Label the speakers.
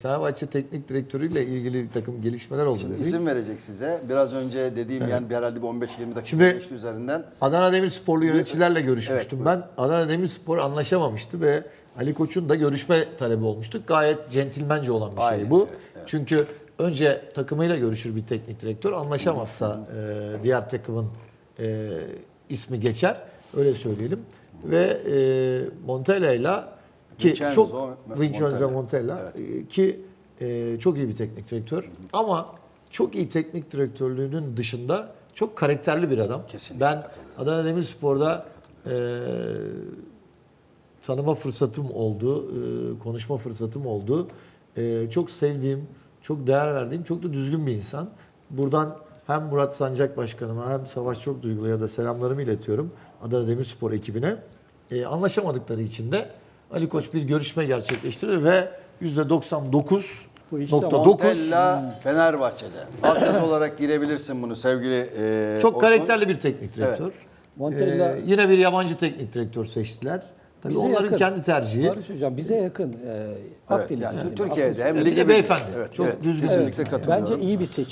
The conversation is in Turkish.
Speaker 1: Fenerbahçe Teknik Direktörü ile ilgili bir takım gelişmeler oldu dedik.
Speaker 2: İsim verecek size. Biraz önce dediğim yani herhalde bir 15-20 dakika
Speaker 1: Şimdi
Speaker 2: geçti üzerinden.
Speaker 1: Adana Demirsporlu yöneticilerle görüşmüştüm
Speaker 2: Evet,
Speaker 1: ben. Adana Demirspor anlaşamamıştı ve Ali Koç'un da görüşme talebi olmuştu. Gayet centilmence olan bir şey
Speaker 2: Aynen,
Speaker 1: bu.
Speaker 2: evet.
Speaker 1: Çünkü önce takımıyla görüşür bir teknik direktör. Anlaşamazsa diğer takımın ismi geçer. Öyle söyleyelim. Ve Montella'yla ki
Speaker 2: Vincenzo
Speaker 1: Vincenzo
Speaker 2: Montella.
Speaker 1: Montella ki çok iyi bir teknik direktör. Ama çok iyi teknik direktörlüğünün dışında çok karakterli bir adam.
Speaker 2: Kesinlikle
Speaker 1: Ben Adana Demirspor'da tanıma fırsatım oldu, konuşma fırsatım oldu. Çok sevdiğim, çok değer verdiğim, çok da düzgün bir insan. Buradan hem Murat Sancak Başkanıma hem Savaş Çokduygu'ya da selamlarımı iletiyorum Adana Demirspor ekibine. Anlaşamadıkları için de Ali Koç bir görüşme gerçekleştirdi ve %99.9
Speaker 3: Bu işte
Speaker 2: Montella Fenerbahçe'de. Altyazı olarak girebilirsin bunu sevgili
Speaker 1: çok
Speaker 2: Orkun.
Speaker 1: karakterli bir teknik direktör.
Speaker 3: Montella
Speaker 1: Yine bir yabancı teknik direktör seçtiler. Tabii
Speaker 3: bize
Speaker 1: onların
Speaker 3: yakın.
Speaker 1: kendi tercihi.
Speaker 3: Barış Hocam bize yakın. Akdeniz
Speaker 2: yani
Speaker 3: iklim,
Speaker 2: Türkiye'de hem
Speaker 1: Bir de
Speaker 2: lige
Speaker 1: beyefendi.
Speaker 2: Evet,
Speaker 1: çok
Speaker 2: evet,
Speaker 1: düzgün.
Speaker 2: kesinlikle
Speaker 3: Evet,
Speaker 2: katılıyorum.
Speaker 3: bence iyi bir seçim.